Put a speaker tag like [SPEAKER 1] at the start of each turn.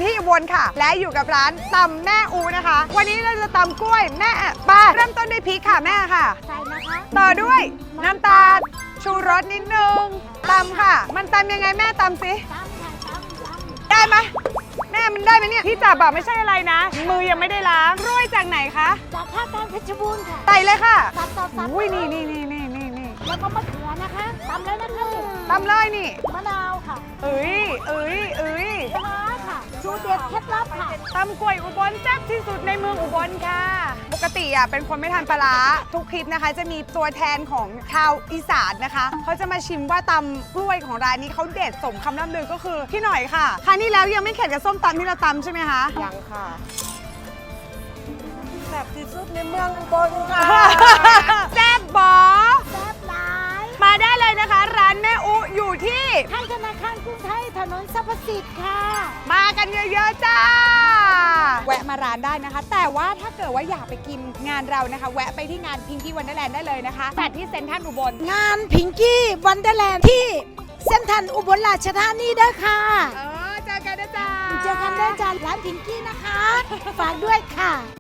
[SPEAKER 1] ที่อุบลค่ะและอยู่กับร้านตำแม่อูนะคะวันนี้เราจะตำกล้วยแม่ป้าเริ่มต้นด้วยพริกค่ะแม่ค่ะ
[SPEAKER 2] ใส่นะคะ
[SPEAKER 1] ต่อด้วยน้ำตาลชูรสนิดนึงตำค่ะมันตำยังไงแม่ตำสิ
[SPEAKER 2] ตำค่ะตำ
[SPEAKER 1] ได้ไหมแม่มันได้ไหมเนี่ยที่จับแบบไม่ใช่อะไรนะมือยังไม่ได้ล้างกล้วยจากไหนคะ
[SPEAKER 2] จากภาคกลางเพชรบูรณ์ค่ะ
[SPEAKER 1] ใส่เลยค่ะ
[SPEAKER 2] ตัด
[SPEAKER 1] อุ้ยนี่
[SPEAKER 2] แล้วก็มะเขือนะคะตำเลยนะคะ
[SPEAKER 1] ตำเลยนี่
[SPEAKER 2] มะนาวค่ะ
[SPEAKER 1] เอ้ย
[SPEAKER 2] ปลาร้าค่ะสูตรเด็ดเคล็ดลับค่ะ
[SPEAKER 1] ตำกล้วยอุบลแซ่บที่สุดในเมืองอุบลค่ะ ปกติเป็นคนไม่ทานปลาร้าทุกคลิปนะคะ จะมีตัวแทนของชาวอีสานนะคะเขาจะมาชิมว่าตำกล้วยของร้านนี้เขาเด็ดสมคำล่ำลือก็คือพี่หน่อยค่ะครั้งนี้แล้วยังไม่เข็ดกับส้มตำที่เราตำใช่ไหมคะ
[SPEAKER 3] ยังค่ะแซ่บที่สุดในเมืองอุบลค่ะ
[SPEAKER 1] แซ่บบอ
[SPEAKER 2] แซ่บหลาย
[SPEAKER 1] มาได้เลยนะคะ ร้านแม่อุอยู่ที่
[SPEAKER 2] ข้างธนาคารกรุงไทยถนนสรรพสิทธิ์ค่ะ
[SPEAKER 1] มากันเยอะๆจ้า แวะมาร้านได้นะคะ แต่ว่าถ้าเกิดว่าอยากไปกินงานเรานะคะ แวะไปที่งานพิงกี้วันเดอร์แลนด์ได้เลยนะคะจัดที่เซ็นทรัลอุบล
[SPEAKER 2] งานพิงกี้วันเดอร์แลนด์ที่เส้นทันอุบลราชธานีเด้อค่ะ
[SPEAKER 1] เจอกันนะจ๊ะ
[SPEAKER 2] เจอกันได้จากร้านพิงกี้นะคะ ฝากด้วยค่ะ